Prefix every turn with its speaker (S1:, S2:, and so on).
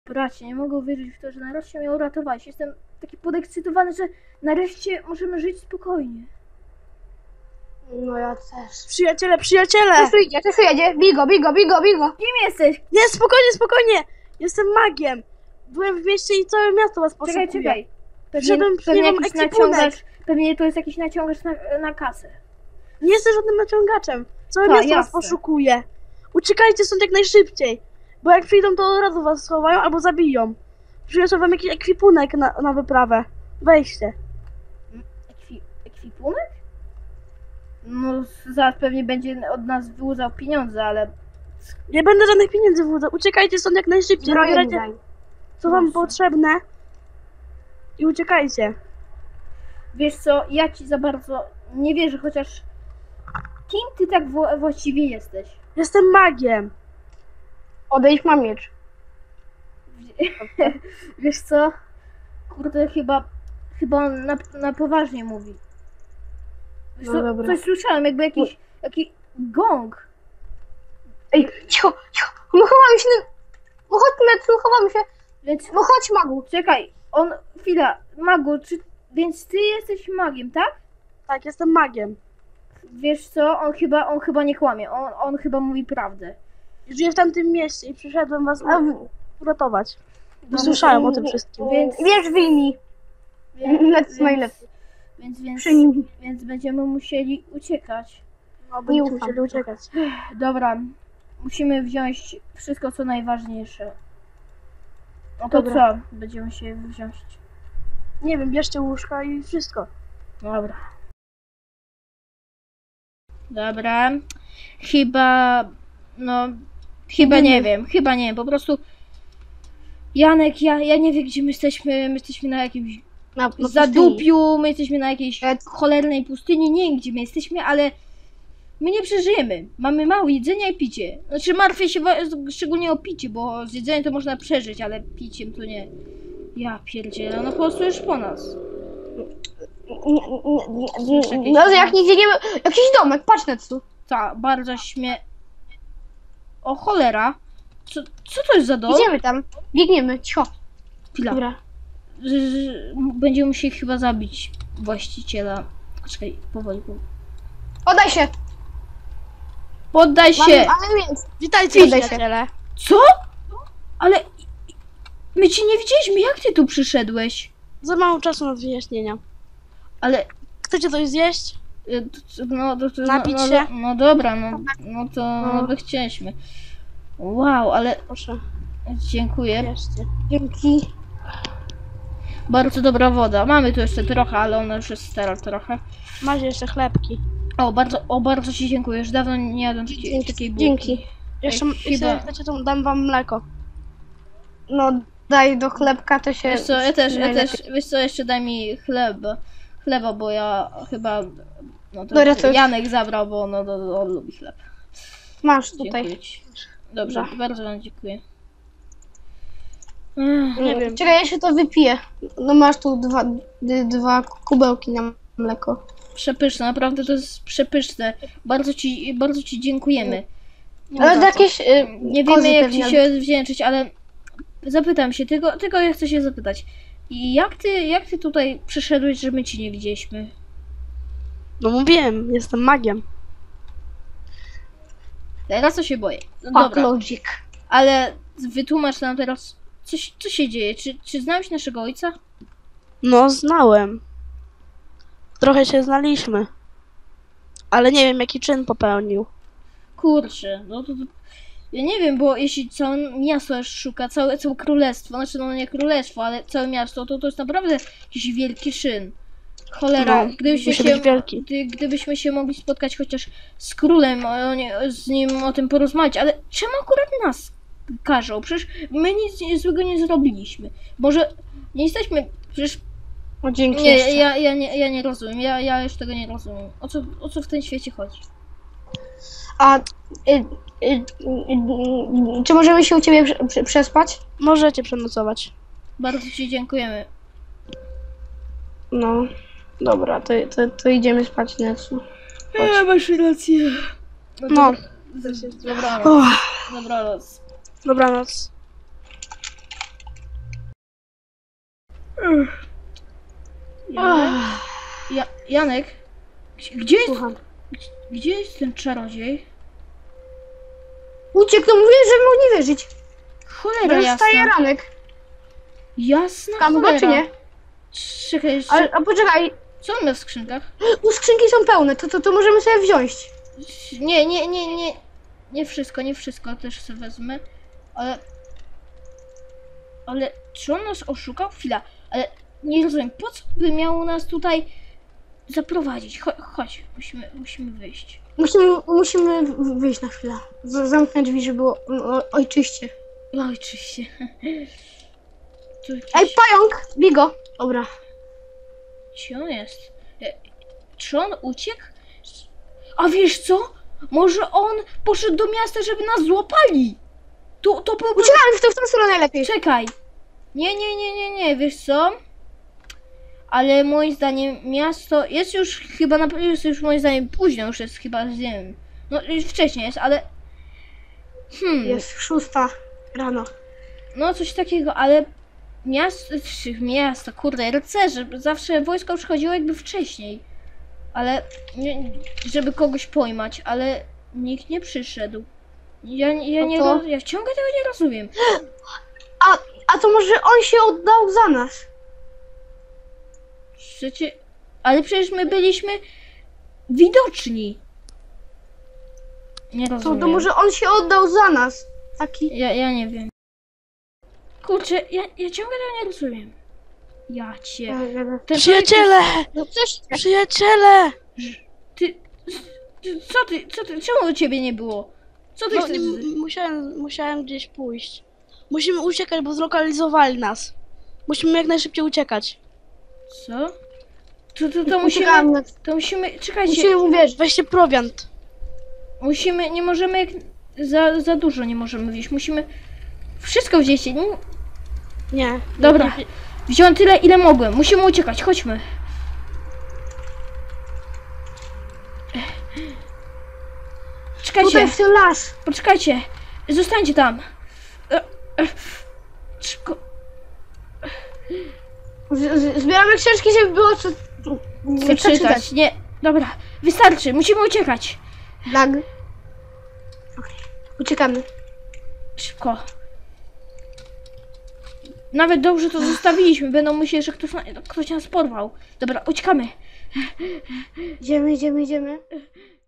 S1: Bracie, nie mogę uwierzyć w to, że nareszcie mnie uratowałeś. Jestem taki podekscytowany, że nareszcie możemy żyć spokojnie.
S2: No ja też.
S3: Przyjaciele, przyjaciele!
S2: Coś tu jedzie. Bigo.
S1: Kim jesteś?
S3: Nie, spokojnie, spokojnie! Jestem magiem. Byłem w mieście i całe miasto was poszukuje.
S1: Czekaj.
S3: Przyszedłem,
S1: Pewnie
S3: mam
S1: jakiś
S3: ekwipunek.
S1: naciągacz. Pewnie to jest jakiś naciągacz na kasę.
S3: Nie jestem żadnym naciągaczem. Całe
S1: Tak,
S3: miasto was
S1: jasne.
S3: poszukuje. Uciekajcie stąd jak najszybciej. Bo jak przyjdą, to od razu was schowają albo zabiją. Przyniosłem wam jakiś ekwipunek na wyprawę. Weźcie.
S1: Ekwipunek? No, zaraz pewnie będzie od nas wyłudzał pieniądze, ale...
S3: Nie będę żadnych pieniędzy włudzał. Uciekajcie stąd jak najszybciej.
S2: Zbroję mi
S3: Zabierajcie,
S2: daj.
S3: co wam
S1: Proszę.
S3: potrzebne. I uciekajcie.
S1: Wiesz co, ja ci za bardzo nie wierzę, chociaż... Kim ty tak właściwie jesteś?
S3: Jestem magiem.
S2: Odejdź, mam miecz.
S1: Wiesz co? Kurde, chyba on na poważnie mówi. Wiesz
S2: No
S1: co,
S2: dobra.
S1: coś słyszałem, jakby jakiś gong.
S2: Ej, cicho. No chowamy się. No chodź, Metsu, chowamy się.
S1: Więc
S2: No chodź, magu.
S1: czekaj, chwila, magu, więc ty jesteś magiem, tak?
S3: Tak, jestem magiem.
S1: Wiesz co, on chyba nie kłamie, on chyba mówi prawdę.
S3: Żyję w tamtym mieście i przyszedłem was uratować.
S1: No,
S3: Słyszałem o tym wszystkim.
S1: Więc-
S2: Wiesz, wyjmij. Metsu najlepiej.
S1: Więc będziemy musieli uciekać.
S3: No, będziecie
S2: ufam.
S3: musieli uciekać.
S1: Dobra, musimy wziąć wszystko co najważniejsze. No to
S2: Dobra.
S1: co? Będziemy się wziąć.
S3: Nie wiem, bierzcie łóżka i wszystko.
S1: Dobra. Dobra. Chyba nie wiem, po prostu Janek, ja nie wiem gdzie my jesteśmy na jakimś
S2: Na
S1: zadupiu, my jesteśmy na jakiejś
S2: E-
S1: cholernej pustyni, nie wiem gdzie my jesteśmy, ale my nie przeżyjemy. Mamy mało jedzenia i picie. Znaczy martwię się szczególnie o picie, bo z jedzeniem to można przeżyć, ale piciem to nie. Ja pierdzielę, no po prostu już po nas.
S2: No, jak nie idziemy. Jakiś domek, patrz, Metsu.
S1: Ta, bardzo O cholera. Co to jest za dom?
S2: Idziemy tam. Biegniemy, cicho.
S1: Chwila.
S2: Dobra.
S1: Będziemy musieli chyba zabić właściciela. Czekaj, powoli.
S2: Oddaj się.
S1: Poddaj się!
S2: Ale więc.
S3: Witajcie,
S2: Witaj się.
S3: przyjaciele.
S1: Co? Ale my cię nie widzieliśmy, jak ty tu przyszedłeś?
S3: Za mało czasu na wyjaśnienia.
S1: Ale
S3: Chcecie coś zjeść? Napić się?
S1: No dobra, no to by chcieliśmy. Wow, ale
S3: Proszę,
S1: dziękuję.
S3: bierzcie.
S2: Dzięki.
S1: Bardzo dobra woda. Mamy tu jeszcze trochę, ale ona już jest stara trochę.
S3: Macie jeszcze chlebki.
S1: Bardzo ci dziękuję. Już dawno nie jadłem takiej bułki.
S2: Dzięki.
S3: Jeszcze,
S1: Ej,
S3: jeśli
S1: chyba-
S3: chcecie, to dam wam mleko.
S2: No, daj do chlebka, to się.
S1: Wiesz co, ja też,
S2: najlepiej.
S1: wiesz co, jeszcze daj mi chleba, bo ja chyba, no to
S2: Dobra, to już-
S1: Janek zabrał, bo on lubi chleb.
S2: Masz tutaj.
S1: Dziękuję ci. Dobrze,
S2: Dobra.
S1: bardzo wam dziękuję.
S3: Nie wiem.
S2: Czekaj, ja się to wypiję. No masz tu dwa kubełki na mleko.
S1: Przepyszne, naprawdę to jest przepyszne. Bardzo ci dziękujemy.
S2: Ale to jakieś.
S1: Nie
S2: kozy
S1: wiemy jak
S2: pewnie.
S1: ci się wdzięczyć, ale zapytam się, tylko ja chcę się zapytać. I jak ty tutaj przyszedłeś, że my ci nie widzieliśmy?
S3: No mówiłem, jestem magiem.
S1: Teraz to się boję. No
S2: Fuck
S1: dobra,
S2: logic.
S1: ale wytłumacz nam teraz, co się dzieje? Czy znałeś naszego ojca?
S3: No, znałem. Trochę się znaliśmy. Ale nie wiem, jaki czyn popełnił.
S1: Kurczę, no to ja nie wiem, bo jeśli całe miasto aż szuka, całe królestwo, znaczy no nie królestwo, ale całe miasto, to jest naprawdę jakiś wielki czyn. Cholera,
S3: No, musi być wielki.
S1: gdybyśmy się mogli spotkać chociaż z królem, z nim o tym porozmawiać, ale czemu akurat nas każą? Przecież my nic złego nie zrobiliśmy. Może nie jesteśmy, przecież
S2: No dzięki.
S1: nie,
S2: jeszcze.
S1: ja nie rozumiem, ja już tego nie rozumiem. O co w tym świecie chodzi?
S2: A. Czy możemy się u ciebie przespać?
S3: Możecie przenocować.
S1: Bardzo ci dziękujemy.
S2: No. Dobra, to idziemy spać, Netsu.
S1: Masz rację.
S3: No.
S1: Dobranoc.
S3: Uff,
S1: Dobranoc.
S3: dobranoc.
S1: Janek? Janek? Gdzie jest,
S2: Słucham.
S1: gdzie jest ten czarodziej?
S2: Uciekł, to mówię, że mógł nie wierzyć.
S1: Cholera
S2: Dostaje
S1: jasna.
S2: ranek.
S1: Jasna
S2: Tam
S1: cholera.
S2: go czy nie?
S1: Czekaj, jeszcze...
S2: A poczekaj,
S1: Co on ma w skrzynkach?
S2: u skrzynki są pełne, to możemy sobie wziąć.
S1: Nie wszystko, nie wszystko też sobie wezmę. Ale czy on nas oszukał? Chwila, ale nie rozumiem, po co by miał nas tutaj zaprowadzić? Chodź, musimy wyjść.
S2: Musimy wyjść na chwilę. Zamknąć drzwi, żeby było ojczyście.
S1: Oj, oczywiście. Tu jakiś...
S2: Ej, pająk! Bigo! Dobra.
S1: Gdzie on jest? Czy on uciekł? A wiesz co? Może on poszedł do miasta, żeby nas złapali? To byłby...
S2: Uciekamy w tą stronę najlepiej.
S1: Czekaj. Nie, wiesz co? Ale moim zdaniem miasto jest już chyba jest już moim zdaniem późno, już jest chyba, nie wiem. No już wcześniej jest, ale...
S2: Jest 6 rano.
S1: No coś takiego, ale miasto, kurde, rycerze, zawsze wojsko przychodziło jakby wcześniej. Ale, żeby kogoś pojmać, ale nikt nie przyszedł. Ja ciągle tego nie rozumiem.
S2: A to może on się oddał za nas?
S1: Ale przecież my byliśmy widoczni. Nie rozumiem.
S2: To może on się oddał za nas. Taki.
S1: Ja nie wiem. Kurczę, ja ciągle tego nie rozumiem. Ja cię. Ten
S3: Przyjaciele!
S2: No coś.
S3: Przyjaciele!
S1: Co ty? Czemu u ciebie nie było? Co ty
S3: No,
S1: chcesz?
S3: musiałem gdzieś pójść. Musimy uciekać, bo zlokalizowali nas. Musimy jak najszybciej uciekać.
S1: Co?
S2: Uciekamy.
S1: Czekajcie.
S2: Musimy uwierzyć.
S3: Weźcie prowiant.
S1: Nie możemy jak... Za dużo nie możemy wziąć. Musimy wszystko wziąć.
S3: Nie.
S1: Dobra. Wziąłem tyle, ile mogłem. Musimy uciekać. Chodźmy. Czekajcie.
S2: Tutaj w ten las.
S1: Poczekajcie. Zostańcie tam. Szybko.
S2: Zbieramy książki, żeby było co
S1: Przeczytać. Nie. Dobra. Wystarczy. Musimy uciekać.
S2: Lag. Okej. Uciekamy.
S1: Szybko. Nawet dobrze to zostawiliśmy. Będą myśleć, że ktoś nas porwał. Dobra, uciekamy.
S2: Idziemy.